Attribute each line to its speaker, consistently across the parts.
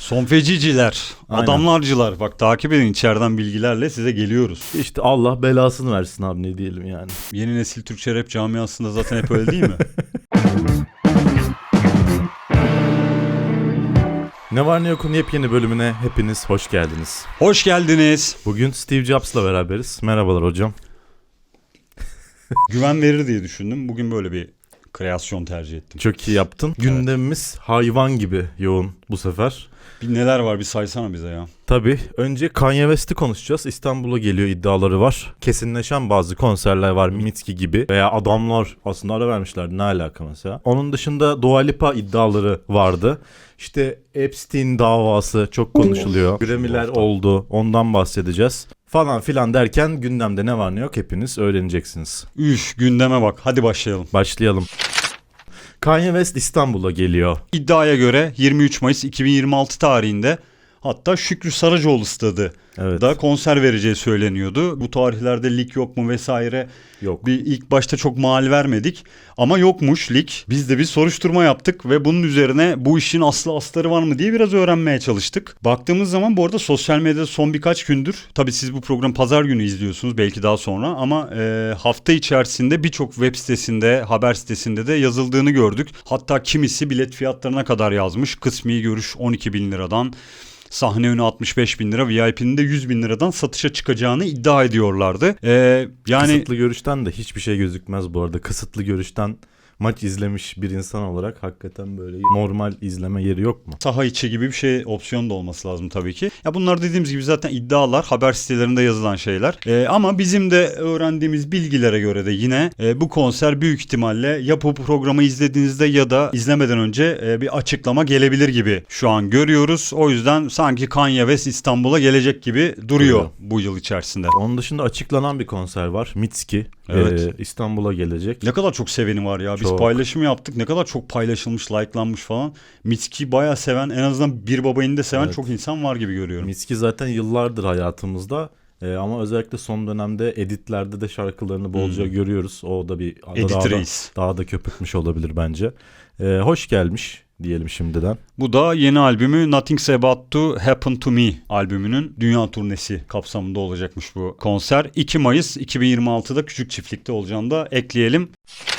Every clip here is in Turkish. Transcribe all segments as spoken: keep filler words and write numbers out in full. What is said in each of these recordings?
Speaker 1: Son feciciler,
Speaker 2: Aynen.
Speaker 1: adamlarcılar. Bak takip edin, içeriden bilgilerle size geliyoruz.
Speaker 2: İşte Allah belasını versin abi, ne diyelim yani.
Speaker 1: Yeni nesil Türkçe rap camiasında zaten hep öyle değil mi?
Speaker 2: Ne var ne yokun yepyeni bölümüne hepiniz hoş geldiniz.
Speaker 1: Hoş geldiniz.
Speaker 2: Bugün Steve Jobs'la beraberiz. Merhabalar hocam.
Speaker 1: Güven verir diye düşündüm. Bugün böyle bir kreasyon tercih ettim.
Speaker 2: Çok iyi yaptın. Evet. Gündemimiz hayvan gibi yoğun bu sefer.
Speaker 1: Bir neler var bir saysana bize ya.
Speaker 2: Tabii önce Kanye West'i konuşacağız. İstanbul'a geliyor iddiaları var. Kesinleşen bazı konserler var, Mitski gibi. Veya adamlar aslında ara vermişlerdi, ne alaka mesela. Onun dışında Dua Lipa iddiaları vardı. İşte Epstein davası çok konuşuluyor. Grammy'ler oldu, ondan bahsedeceğiz. Falan filan derken gündemde ne var ne yok hepiniz öğreneceksiniz.
Speaker 1: Üf, gündeme bak, hadi başlayalım.
Speaker 2: Başlayalım. Kanye West İstanbul'a geliyor.
Speaker 1: İddiaya göre yirmi üç Mayıs iki bin yirmi altı tarihinde, hatta Şükrü Saracoğlu stadı
Speaker 2: Evet.
Speaker 1: da konser vereceği söyleniyordu. Bu tarihlerde lig yok mu vesaire.
Speaker 2: Yok.
Speaker 1: Bir ilk başta çok mal vermedik ama yokmuş lig. Biz de bir soruşturma yaptık ve bunun üzerine bu işin aslı astarı var mı diye biraz öğrenmeye çalıştık. Baktığımız zaman bu arada sosyal medyada son birkaç gündür, tabii siz bu programı pazar günü izliyorsunuz, belki daha sonra, ama e, hafta içerisinde birçok web sitesinde, haber sitesinde de yazıldığını gördük. Hatta kimisi bilet fiyatlarına kadar yazmış. Kısmi görüş on iki bin liradan, sahne önü altmış beş bin lira, V I P'nin de yüz bin liradan satışa çıkacağını iddia ediyorlardı. Ee, yani
Speaker 2: Kısıtlı görüşten de hiçbir şey gözükmez bu arada. Kısıtlı görüşten maç izlemiş bir insan olarak hakikaten böyle normal izleme yeri yok mu?
Speaker 1: Saha içi gibi bir şey, opsiyon da olması lazım tabii ki. Ya bunlar dediğimiz gibi zaten iddialar, haber sitelerinde yazılan şeyler. Ee, ama bizim de öğrendiğimiz bilgilere göre de yine e, bu konser büyük ihtimalle ya bu programı izlediğinizde ya da izlemeden önce e, bir açıklama gelebilir gibi şu an görüyoruz. O yüzden sanki Kanye West İstanbul'a gelecek gibi duruyor, duruyor bu yıl içerisinde.
Speaker 2: Onun dışında açıklanan bir konser var. Mitski.
Speaker 1: Evet.
Speaker 2: Ee, İstanbul'a gelecek.
Speaker 1: Ne kadar çok seveni var ya. Biz
Speaker 2: çok.
Speaker 1: paylaşım yaptık. Ne kadar çok paylaşılmış, likelanmış falan. Mitski'yi bayağı seven, en azından Bir Babayını da seven evet. çok insan var gibi görüyorum.
Speaker 2: Mitski zaten yıllardır hayatımızda. Ee, ama özellikle son dönemde editlerde de şarkılarını bolca hmm. görüyoruz. O da bir
Speaker 1: Edit
Speaker 2: daha, da,
Speaker 1: reis.
Speaker 2: daha da köpürtmüş olabilir bence. Ee, hoş gelmiş diyelim şimdiden.
Speaker 1: Bu da yeni albümü Nothing's About to Happen to Me albümünün dünya turnesi kapsamında olacakmış bu konser. iki Mayıs iki bin yirmi altıda Küçük Çiftlik'te olacağını da ekleyelim.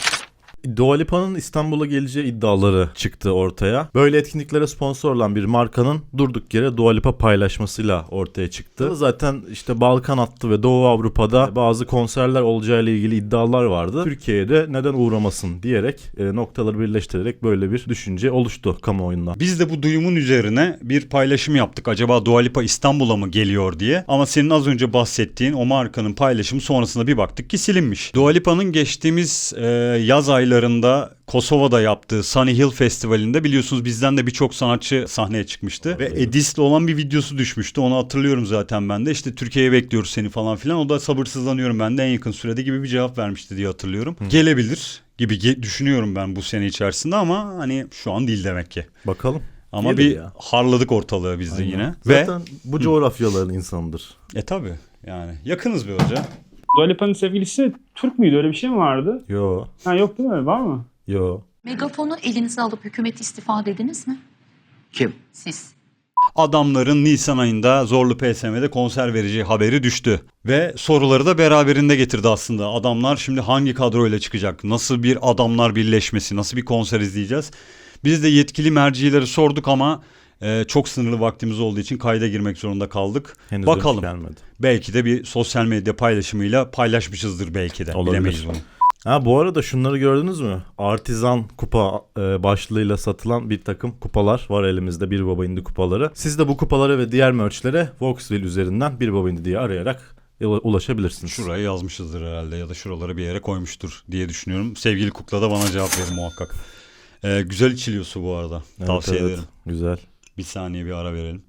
Speaker 2: Dua Lipa'nın İstanbul'a geleceği iddiaları çıktı ortaya. Böyle etkinliklere sponsor olan bir markanın durduk yere Dua Lipa paylaşmasıyla ortaya çıktı. Zaten işte Balkan hattı ve Doğu Avrupa'da bazı konserler olacağıyla ilgili iddialar vardı. Türkiye'de neden uğramasın diyerek e, noktaları birleştirerek böyle bir düşünce oluştu kamuoyunda.
Speaker 1: Biz de bu duyumun üzerine bir paylaşım yaptık. Acaba Dua Lipa İstanbul'a mı geliyor diye. Ama senin az önce bahsettiğin o markanın paylaşımı sonrasında bir baktık ki silinmiş. Dua Lipa'nın geçtiğimiz e, yaz ayları Kosova'da yaptığı Sunny Hill Festivali'nde biliyorsunuz bizden de birçok sanatçı sahneye çıkmıştı. Evet. Ve Edis'le olan bir videosu düşmüştü. Onu hatırlıyorum zaten ben de. İşte Türkiye'ye bekliyoruz seni falan filan. O da sabırsızlanıyorum ben de en yakın sürede gibi bir cevap vermişti diye hatırlıyorum. Hı. Gelebilir gibi ge- düşünüyorum ben bu sene içerisinde ama hani şu an değil demek ki.
Speaker 2: Bakalım.
Speaker 1: Ama
Speaker 2: Gelir
Speaker 1: bir
Speaker 2: ya.
Speaker 1: Harladık ortalığı biz de
Speaker 2: Aynen.
Speaker 1: yine.
Speaker 2: Zaten
Speaker 1: Ve
Speaker 2: bu coğrafyaların insanıdır.
Speaker 1: E tabi yani yakınız bir hoca.
Speaker 3: Dua Lipa'nın sevgilisi Türk müydü? Öyle bir şey mi vardı?
Speaker 2: Yo.
Speaker 3: Ha, yok değil mi? Var mı?
Speaker 2: Yo.
Speaker 4: Megafonu elinize alıp hükümet istifa dediniz mi?
Speaker 5: Kim?
Speaker 4: Siz.
Speaker 1: Adamların Nisan ayında Zorlu P S M'de konser vereceği haberi düştü. Ve soruları da beraberinde getirdi aslında. Adamlar şimdi hangi kadroyla çıkacak? Nasıl bir adamlar birleşmesi? Nasıl bir konser izleyeceğiz? Biz de yetkili mercileri sorduk ama e, çok sınırlı vaktimiz olduğu için kayda girmek zorunda kaldık.
Speaker 2: Henüz
Speaker 1: bakalım.
Speaker 2: Gelmedi.
Speaker 1: Belki de bir sosyal medya paylaşımıyla paylaşmışızdır belki de.
Speaker 2: Olabilir.
Speaker 1: Bilemeyiz bunu.
Speaker 2: Ha, bu arada şunları gördünüz mü? Artizan kupa e, başlığıyla satılan bir takım kupalar var elimizde, Bir Baba İndi kupaları. Siz de bu kupalara ve diğer merch'lere Voxville üzerinden Bir Baba İndi diye arayarak ulaşabilirsiniz.
Speaker 1: Şuraya yazmışızdır herhalde ya da şuralara bir yere koymuştur diye düşünüyorum. Sevgili Kukla da bana cevap verir muhakkak. Ee, güzel içiliyor su bu arada.
Speaker 2: Evet,
Speaker 1: Tavsiye
Speaker 2: evet,
Speaker 1: ederim.
Speaker 2: Güzel.
Speaker 1: Bir saniye bir ara verelim.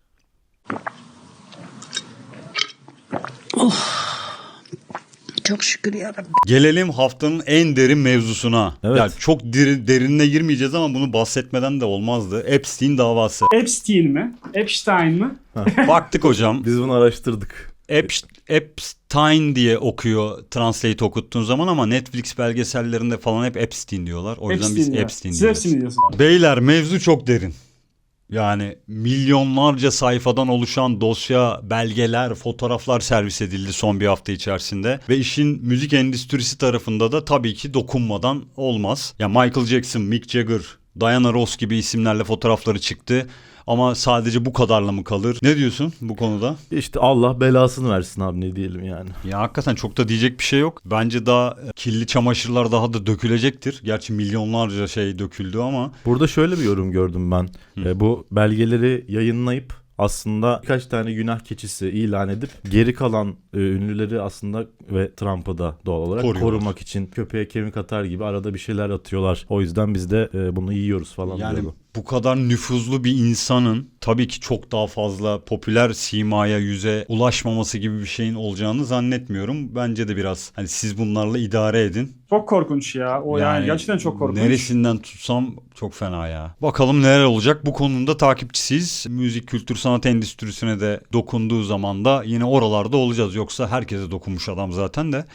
Speaker 5: Oh. Çok şükür yarabbim.
Speaker 1: Gelelim haftanın en derin mevzusuna.
Speaker 2: Evet.
Speaker 1: Yani çok deri, derinine girmeyeceğiz ama bunu bahsetmeden de olmazdı. Epstein davası.
Speaker 3: Epstein mi? Epstein mi?
Speaker 1: Baktık hocam.
Speaker 2: Biz bunu araştırdık.
Speaker 1: Epstein diye okuyor translate okuttuğun zaman ama Netflix belgesellerinde falan hep Epstein diyorlar. O yüzden
Speaker 3: Epstein
Speaker 1: biz
Speaker 3: ya.
Speaker 1: Epstein
Speaker 3: Siz
Speaker 1: diyoruz.
Speaker 3: Epstein diyorsunuz.
Speaker 1: Beyler mevzu çok derin. Yani milyonlarca sayfadan oluşan dosya, belgeler, fotoğraflar servis edildi son bir hafta içerisinde. Ve işin müzik endüstrisi tarafında da tabii ki dokunmadan olmaz. Ya Michael Jackson, Mick Jagger, Diana Ross gibi isimlerle fotoğrafları çıktı. Ama sadece bu kadarla mı kalır? Ne diyorsun bu konuda?
Speaker 2: İşte Allah belasını versin abi, ne diyelim yani.
Speaker 1: Ya hakikaten çok da diyecek bir şey yok. Bence daha kirli çamaşırlar daha da dökülecektir. Gerçi milyonlarca şey döküldü ama.
Speaker 2: Burada şöyle bir yorum gördüm ben. E, bu belgeleri yayınlayıp aslında birkaç tane günah keçisi ilan edip geri kalan e, ünlüleri aslında ve Trump'ı da doğal olarak
Speaker 1: Koruyorlar.
Speaker 2: korumak için köpeğe kemik atar gibi arada bir şeyler atıyorlar. O yüzden biz de e, bunu yiyoruz falan
Speaker 1: Yani
Speaker 2: diyordu.
Speaker 1: bu kadar nüfuzlu bir insanın tabii ki çok daha fazla popüler simaya, yüze ulaşmaması gibi bir şeyin olacağını zannetmiyorum. Bence de biraz hani siz bunlarla idare edin.
Speaker 3: Çok korkunç ya. O yani, gerçekten çok korkunç.
Speaker 1: Neresinden tutsam çok fena ya. Bakalım neler olacak, bu konunun takipçisiyiz. Müzik, kültür, sanat endüstrisine de dokunduğu zaman da yine oralarda olacağız. Yoksa herkese dokunmuş adam zaten de.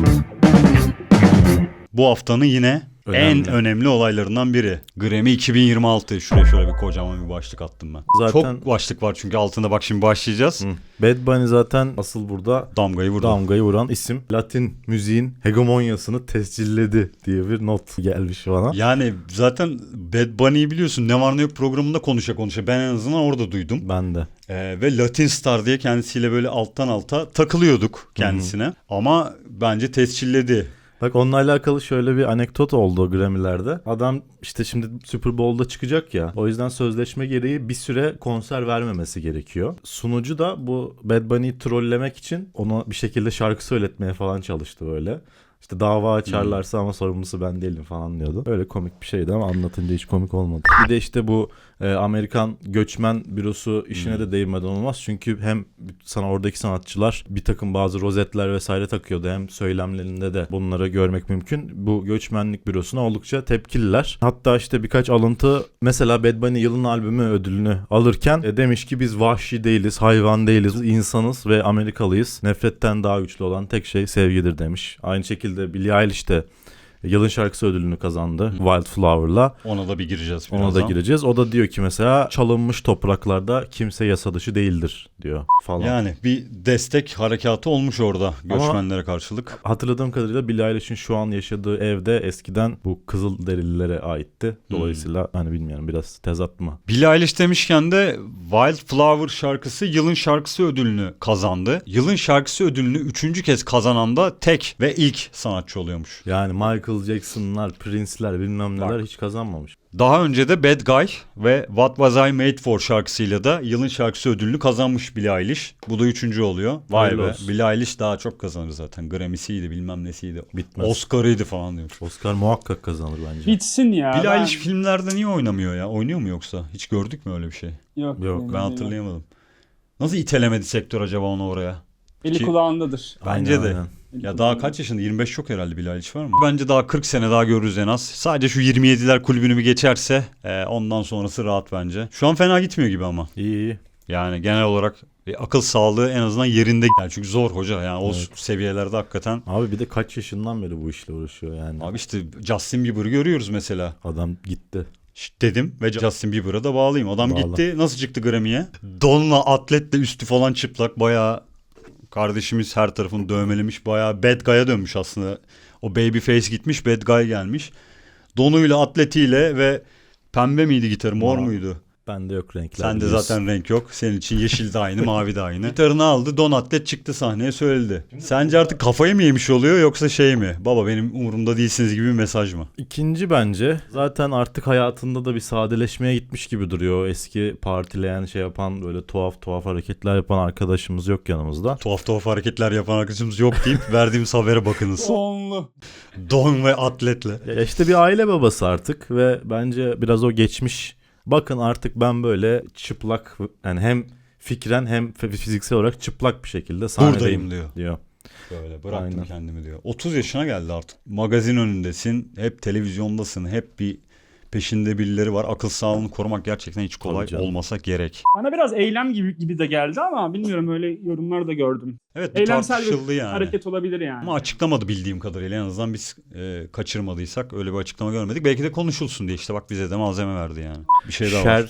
Speaker 1: Bu haftanın yine
Speaker 2: Önemli.
Speaker 1: en önemli olaylarından biri. Grammy iki bin yirmi altı. Şuraya şöyle bir kocaman bir başlık attım ben.
Speaker 2: Zaten-
Speaker 1: Çok başlık var çünkü altında, bak şimdi başlayacağız.
Speaker 2: Hı. Bad Bunny zaten asıl burada
Speaker 1: Damgayı vurdu.
Speaker 2: damgayı vuran isim. Latin müziğin hegemonyasını tescilledi diye bir not gelmiş bana.
Speaker 1: Yani zaten Bad Bunny'yi biliyorsun, Ne Var Ne Yok programında konuşa konuşa ben en azından orada duydum.
Speaker 2: Ben de.
Speaker 1: Ee, ve Latin Star diye kendisiyle böyle alttan alta takılıyorduk kendisine. Ama bence tescilledi.
Speaker 2: Bak onunla alakalı şöyle bir anekdot oldu Grammy'lerde. Adam işte şimdi Super Bowl'da çıkacak ya. O yüzden sözleşme gereği bir süre konser vermemesi gerekiyor. Sunucu da bu Bad Bunny'yi trollemek için ona bir şekilde şarkı söyletmeye falan çalıştı böyle. İşte dava açarlarsa ama sorumlusu ben değilim falan diyordu. Öyle komik bir şeydi ama anlatınca hiç komik olmadı. Bir de işte bu e, Amerikan göçmen bürosu işine de değinmeden olmaz. Çünkü hem sana oradaki sanatçılar bir takım bazı rozetler vesaire takıyordu. Hem söylemlerinde de bunları görmek mümkün. Bu göçmenlik bürosuna oldukça tepkililer. Hatta işte birkaç alıntı, mesela Bad Bunny yılın albümü ödülünü alırken e, demiş ki biz vahşi değiliz, hayvan değiliz, insanız ve Amerikalıyız. Nefretten daha güçlü olan tek şey sevgidir demiş. Aynı şekilde Billie Eilish de yılın şarkısı ödülünü kazandı Wildflower'la.
Speaker 1: Ona da bir gireceğiz
Speaker 2: Ona
Speaker 1: birazdan.
Speaker 2: da gireceğiz. O da diyor ki mesela çalınmış topraklarda kimse yasa dışı değildir diyor falan.
Speaker 1: Yani bir destek harekatı olmuş orada göçmenlere karşılık.
Speaker 2: Hatırladığım kadarıyla Billie Eilish'in şu an yaşadığı evde eskiden bu Kızılderililere aitti. Dolayısıyla hani bilmiyorum, biraz tezat mı?
Speaker 1: Billie Eilish demişken de Wildflower şarkısı yılın şarkısı ödülünü kazandı. Yılın şarkısı ödülünü üçüncü kez kazanan da tek ve ilk sanatçı oluyormuş.
Speaker 2: Yani Michael Jackson'lar, Prince'ler bilmem neler
Speaker 1: Bak.
Speaker 2: hiç kazanmamış.
Speaker 1: Daha önce de Bad Guy ve What Was I Made For şarkısıyla da yılın şarkısı ödülünü kazanmış Billie Eilish. Bu da üçüncü oluyor. Vay
Speaker 2: Hayırlı
Speaker 1: be.
Speaker 2: olsun.
Speaker 1: Billie Eilish daha çok kazanır zaten. Grammy'siydi, bilmem nesiydi.
Speaker 2: Bitmez.
Speaker 1: Oscar'ıydı falan diyor.
Speaker 2: Oscar muhakkak kazanır bence.
Speaker 3: Bitsin ya.
Speaker 1: Billie
Speaker 3: ben-
Speaker 1: Eilish filmlerde niye oynamıyor ya? Oynuyor mu yoksa? Hiç gördük mü öyle bir şey?
Speaker 3: Yok.
Speaker 2: Yok,
Speaker 3: benim
Speaker 1: Ben
Speaker 3: değil.
Speaker 1: hatırlayamadım. Nasıl itelemedi sektör acaba onu oraya?
Speaker 3: Eli
Speaker 1: Ki-
Speaker 3: kulağındadır.
Speaker 1: Bence
Speaker 2: Aynen,
Speaker 1: de.
Speaker 2: aynen.
Speaker 3: Eli
Speaker 1: Ya daha
Speaker 3: kulağındadır.
Speaker 1: kaç yaşında? yirmi beş çok herhalde Billie Eilish var mı? Bence daha kırk sene daha görürüz en az. Sadece şu yirmi yediler kulübünü bir geçerse e, ondan sonrası rahat bence. Şu an fena gitmiyor gibi ama.
Speaker 2: İyi iyi.
Speaker 1: Yani genel olarak e, akıl sağlığı en azından yerinde. Yani çünkü zor hoca yani o
Speaker 2: Evet.
Speaker 1: seviyelerde hakikaten.
Speaker 2: Abi bir de kaç yaşından beri bu işle uğraşıyor yani.
Speaker 1: Abi işte Justin Bieber'ı görüyoruz mesela.
Speaker 2: Adam gitti.
Speaker 1: Şşt dedim ve Justin Bieber'a da bağlayayım. Adam
Speaker 2: Bağla.
Speaker 1: gitti. Nasıl çıktı Grammy'ye? Donla atletle üstü falan çıplak. Bayağı kardeşimiz her tarafını dövmelemiş. Bayağı bad guy'a dönmüş aslında. O babyface gitmiş, bad guy gelmiş. Donuyla, atletiyle ve pembe miydi gitarı, mor
Speaker 2: Mor.
Speaker 1: muydu?
Speaker 2: Bende yok renkler.
Speaker 1: Sende
Speaker 2: biliyorsun.
Speaker 1: zaten renk yok. Senin için yeşil de aynı, mavi de aynı. Gitarını aldı, don atlet çıktı sahneye söyledi. Sence artık kafayı mı yemiş oluyor yoksa şey mi? Baba benim umurumda değilsiniz gibi bir mesaj mı?
Speaker 2: İkinci bence zaten artık hayatında da bir sadeleşmeye gitmiş gibi duruyor. O eski partileyen şey yapan böyle tuhaf tuhaf hareketler yapan arkadaşımız yok yanımızda.
Speaker 1: Tuhaf tuhaf hareketler yapan arkadaşımız yok deyip verdiğimiz habere bakınız.
Speaker 3: Sonlu.
Speaker 1: Don ve atletle.
Speaker 2: Ya işte bir aile babası artık ve bence biraz o geçmiş. Bakın artık ben böyle çıplak, yani hem fikren hem fiziksel olarak çıplak bir şekilde sahnedeyim
Speaker 1: Buradayım diyor.
Speaker 2: diyor.
Speaker 1: Böyle bıraktım
Speaker 2: Aynen.
Speaker 1: kendimi diyor. otuz yaşına geldi artık. Magazin önündesin. Hep televizyondasın. Hep bir peşinde birileri var. Akıl sağlığını korumak gerçekten hiç kolay
Speaker 2: Tabii canım.
Speaker 1: olmasa gerek.
Speaker 3: Bana biraz eylem gibi gibi de geldi ama bilmiyorum, öyle yorumlar da gördüm.
Speaker 1: Evet bir
Speaker 3: Eylemsel
Speaker 1: tartışıldı
Speaker 3: bir
Speaker 1: yani.
Speaker 3: hareket olabilir yani.
Speaker 1: Ama açıklamadı bildiğim kadarıyla. En azından biz e, kaçırmadıysak öyle bir açıklama görmedik. Belki de konuşulsun diye işte bak bize de malzeme verdi yani. Bir şey daha var.
Speaker 2: Cher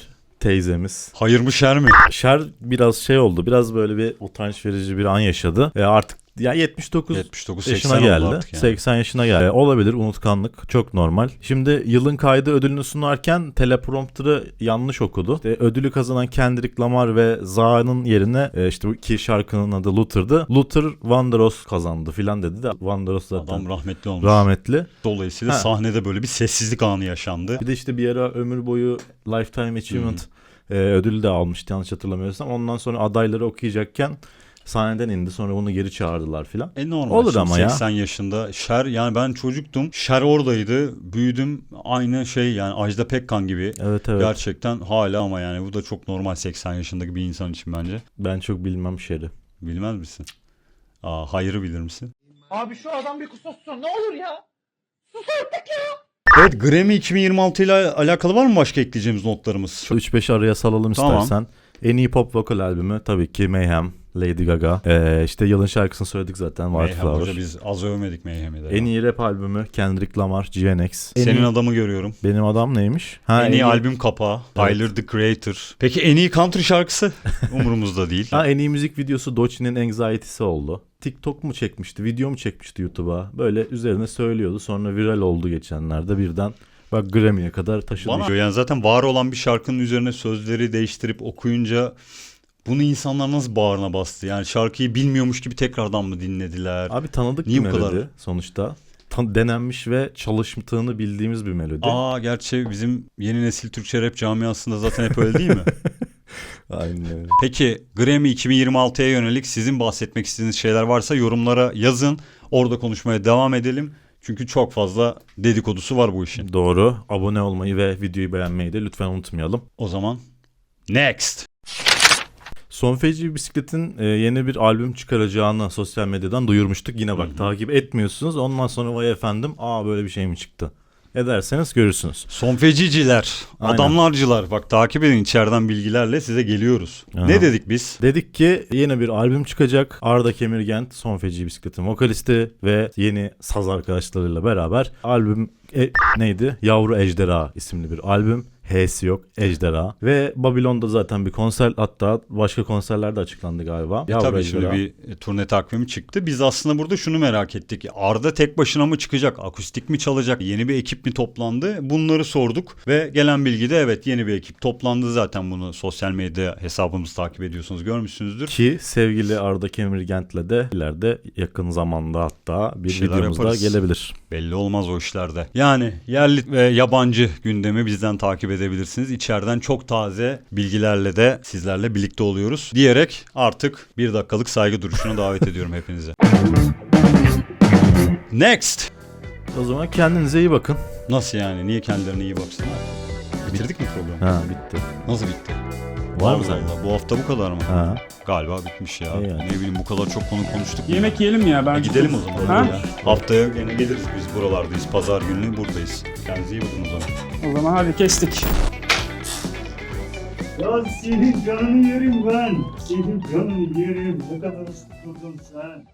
Speaker 2: teyzemiz.
Speaker 1: Hayır mı şer mi?
Speaker 2: Şer biraz şey oldu. Biraz böyle bir utanç verici bir an yaşadı. E artık ya yetmiş dokuz
Speaker 1: yetmiş dokuz
Speaker 2: yaşına
Speaker 1: seksen oldu
Speaker 2: geldi.
Speaker 1: artık yani.
Speaker 2: seksen yaşına geldi. E, olabilir, unutkanlık çok normal. Şimdi yılın kaydı ödülünü sunarken teleprompter'ı yanlış okudu. İşte ödülü kazanan Kendrick Lamar ve Za'nın yerine e, işte bu iki şarkının adı Luther'dı. Luther Vandross kazandı filan dedi de Vandross zaten
Speaker 1: Adam rahmetli olmuş.
Speaker 2: rahmetli.
Speaker 1: Dolayısıyla
Speaker 2: Ha.
Speaker 1: sahnede böyle bir sessizlik anı yaşandı.
Speaker 2: Bir de işte bir ara ömür boyu Lifetime Achievement e, ödülü de almıştı yanlış hatırlamıyorsam. Ondan sonra adayları okuyacakken sahneden indi. Sonra bunu geri çağırdılar filan.
Speaker 1: E normal.
Speaker 2: Olur
Speaker 1: Şimdi
Speaker 2: ama ya.
Speaker 1: seksen yaşında Şer, yani ben çocuktum. Şer oradaydı. Büyüdüm. Aynı şey yani Ajda Pekkan gibi.
Speaker 2: Evet evet.
Speaker 1: Gerçekten hala ama yani bu da çok normal seksen yaşındaki bir insan için bence.
Speaker 2: Ben çok bilmem Şer'i.
Speaker 1: Bilmez misin? Aa, hayırı bilir misin?
Speaker 6: Abi şu adam bir kusursun ne olur ya.
Speaker 1: Evet, Grammy iki bin yirmi altı ile alakalı var mı başka ekleyeceğimiz notlarımız?
Speaker 2: üç beş araya salalım
Speaker 1: Tamam.
Speaker 2: istersen. En iyi pop vokal albümü tabii ki Mayhem, Lady Gaga. Ee, işte yılın şarkısını söyledik zaten,
Speaker 1: Mayhem
Speaker 2: Wildflower.
Speaker 1: hoca, biz az övmedik Mayhem'i de.
Speaker 2: En iyi rap albümü Kendrick Lamar, G N X. En
Speaker 1: Senin
Speaker 2: iyi-
Speaker 1: adamı görüyorum.
Speaker 2: Benim adam neymiş? Ha,
Speaker 1: en iyi albüm kapağı. Tyler the Creator. Peki en iyi country şarkısı? Umurumuzda değil.
Speaker 2: Ha, en iyi müzik videosu Doechie'nin Anxiety'si oldu. TikTok mu çekmişti, video mu çekmişti YouTube'a? Böyle üzerine söylüyordu. Sonra viral oldu geçenlerde birden. Bak Grammy'ye kadar taşıdı.
Speaker 1: Bana yani zaten var olan bir şarkının üzerine sözleri değiştirip okuyunca bunu insanlar nasıl bağrına bastı? Yani şarkıyı bilmiyormuş gibi tekrardan mı dinlediler?
Speaker 2: Abi tanıdık
Speaker 1: Niye
Speaker 2: bir
Speaker 1: bu kadar?
Speaker 2: melodi sonuçta. Tan- denenmiş ve çalıştığını bildiğimiz bir melodi.
Speaker 1: Aa, gerçi bizim yeni nesil Türkçe rap camiasında zaten hep öyle değil mi?
Speaker 2: Aynen öyle.
Speaker 1: Peki Grammy iki bin yirmi altıya yönelik sizin bahsetmek istediğiniz şeyler varsa yorumlara yazın. Orada konuşmaya devam edelim. Çünkü çok fazla dedikodusu var bu işin.
Speaker 2: Doğru. Abone olmayı ve videoyu beğenmeyi de lütfen unutmayalım.
Speaker 1: O zaman next.
Speaker 2: Son Feci Bisiklet'in e, yeni bir albüm çıkaracağını sosyal medyadan duyurmuştuk. Yine bak, takip etmiyorsunuz. Ondan sonra vay efendim, aa böyle bir şey mi çıktı? Ederseniz görürsünüz.
Speaker 1: Son feciciler,
Speaker 2: Aynen.
Speaker 1: adamlarcılar. Bak takip edin, içeriden bilgilerle size geliyoruz.
Speaker 2: Aha.
Speaker 1: Ne dedik biz?
Speaker 2: Dedik ki yeni bir albüm çıkacak. Arda Kemirgent, Son Feci Bisiklet'in vokalisti ve yeni saz arkadaşlarıyla beraber albüm e, neydi? Yavru Ejderha isimli bir albüm. H'si yok, Ejderha. Ve Babilon'da zaten bir konser, hatta başka konserler de açıklandı galiba.
Speaker 1: E
Speaker 2: Yavru
Speaker 1: tabii
Speaker 2: Ejderha.
Speaker 1: şimdi bir e, turne takvimi çıktı. Biz aslında burada şunu merak ettik. Arda tek başına mı çıkacak? Akustik mi çalacak? Yeni bir ekip mi toplandı? Bunları sorduk ve gelen bilgide evet, yeni bir ekip toplandı. Zaten bunu sosyal medya hesabımızı takip ediyorsunuz, görmüşsünüzdür.
Speaker 2: Ki sevgili Arda Kemirgent'le de ileride yakın zamanda hatta bir,
Speaker 1: Bir şeyler
Speaker 2: videomuz da
Speaker 1: yaparız.
Speaker 2: gelebilir.
Speaker 1: Belli olmaz o işlerde. Yani yerli ve yabancı gündemi bizden takip edebilirsiniz. İçeriden çok taze bilgilerle de sizlerle birlikte oluyoruz diyerek artık bir dakikalık saygı duruşuna davet ediyorum hepinizi. Next.
Speaker 2: O zaman kendinize iyi bakın.
Speaker 1: Nasıl yani? Niye kendilerine iyi baksınlar? Bitirdik mi programı?
Speaker 2: Ha, bitti.
Speaker 1: Nasıl bitti?
Speaker 2: Var mı
Speaker 1: Allah
Speaker 2: sende?
Speaker 1: Allah, bu hafta bu kadar mı?
Speaker 2: Ha.
Speaker 1: Galiba bitmiş ya.
Speaker 2: İyi yani.
Speaker 1: Ne bileyim, bu kadar çok konu konuştuk. mu
Speaker 3: Yemek
Speaker 1: ya?
Speaker 3: yiyelim ya. Ben
Speaker 1: E gidelim o zaman.
Speaker 3: Ha?
Speaker 1: Ya. Haftaya yine geliriz, biz buralardayız. Pazar günü buradayız. Kendinize iyi bakın o zaman.
Speaker 3: O zaman hadi kestik.
Speaker 1: Ya senin canını yerim ben. Senin canını yerim. Ne kadar ıslık sen.